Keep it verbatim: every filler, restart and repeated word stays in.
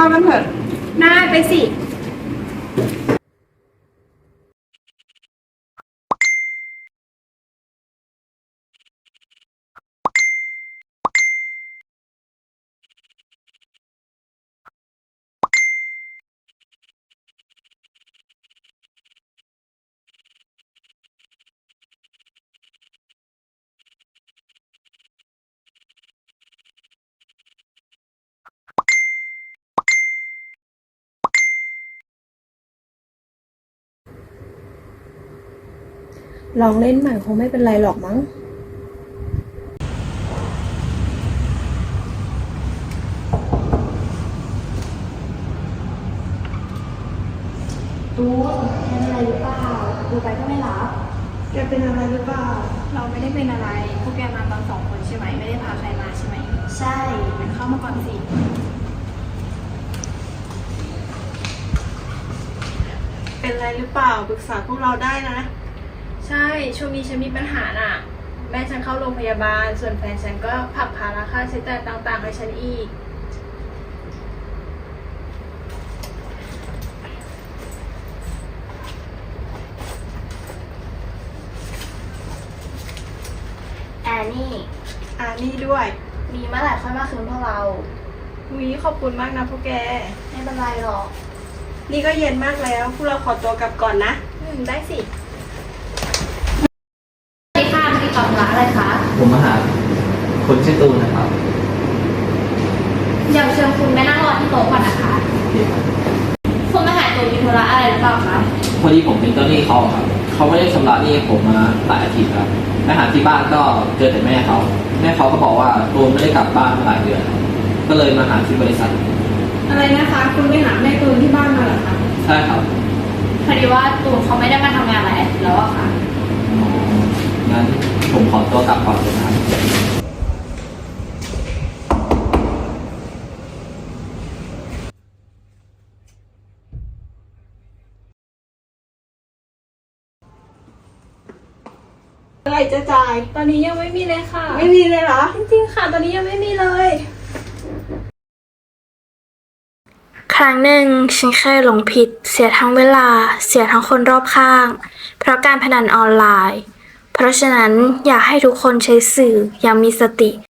กันเถอะน่าไปสิลองเล่นใหม่คงไม่เป็นไรหรอกมั้งตูนเป็นอะไรหรือเปล่าดูไปก็ไม่รับแกเป็นอะไรหรือเปล่าเราไม่ได้เป็นอะไรพวกแกมาตอนสองคนใช่ไหมไม่ได้พาใครมาใช่ไหมใช่งั้นเข้ามาก่อนสิเป็นอะไรหรือเปล่าปรึกษาพวกเราได้นะใช่ช่วงนี้ฉันมีปัญหาน่ะแม่ฉันเข้าโรงพยาบาลส่วนแฟนฉันก็ผลักภาระค่าใช้จ่ายต่างๆให้ฉันอีกแอนนี่อ่านี่ด้วยมีเมื่อไหร่ค่อยมาคืนพวกเราวีขอบคุณมากนะพวกแกไม่เป็นไรหรอกนี่ก็เย็นมากแล้ว พวกเราขอตัวกลับก่อนนะอืมได้สิสวัสดีค่ะมาติดต่อธุระอะไรคะผมมาหาคนชื่อตูนนะครับเดี๋ยวเชิญคุณไปนั่งรอที่โต๊ะก่อนนะคะ คุณมาหาตัวมีธุระอะไรหรือเปล่าคะพอดีผมเป็นเจ้าหนี้เขาครับ เขาไม่ได้ชำระหนี้ให้ผมมาหลายอาทิตย์ครับไปหาที่บ้านก็เจอแต่แม่เขา แม่เขาก็บอกว่าตูนไม่ได้กลับบ้านมาหลายเดือน ก็เลยมาหาที่บริษัทอะไรนะคะ คุณไปหาแม่ตูนที่บ้านมาเหรอคะใช่ครับพอดีว่าตูนเขาไม่ได้มาทำงานหลายอาทิตย์แล้วอะค่ะอ๋องั้นผมขอตัวกลับก่อนเลยนะครับอะไรจะจ่ายตอนนี้ยังไม่มีเลยค่ะไม่มีเลยเหรอจริงๆค่ะตอนนี้ยังไม่มีเลยครั้งหนึ่งฉันเคยหลงผิดเสียทั้งเวลาเสียทั้งคนรอบข้าง เพราะการพนันออนไลน์ เพราะฉะนั้นอยากให้ทุกคนใช้สื่ออย่างมีสติ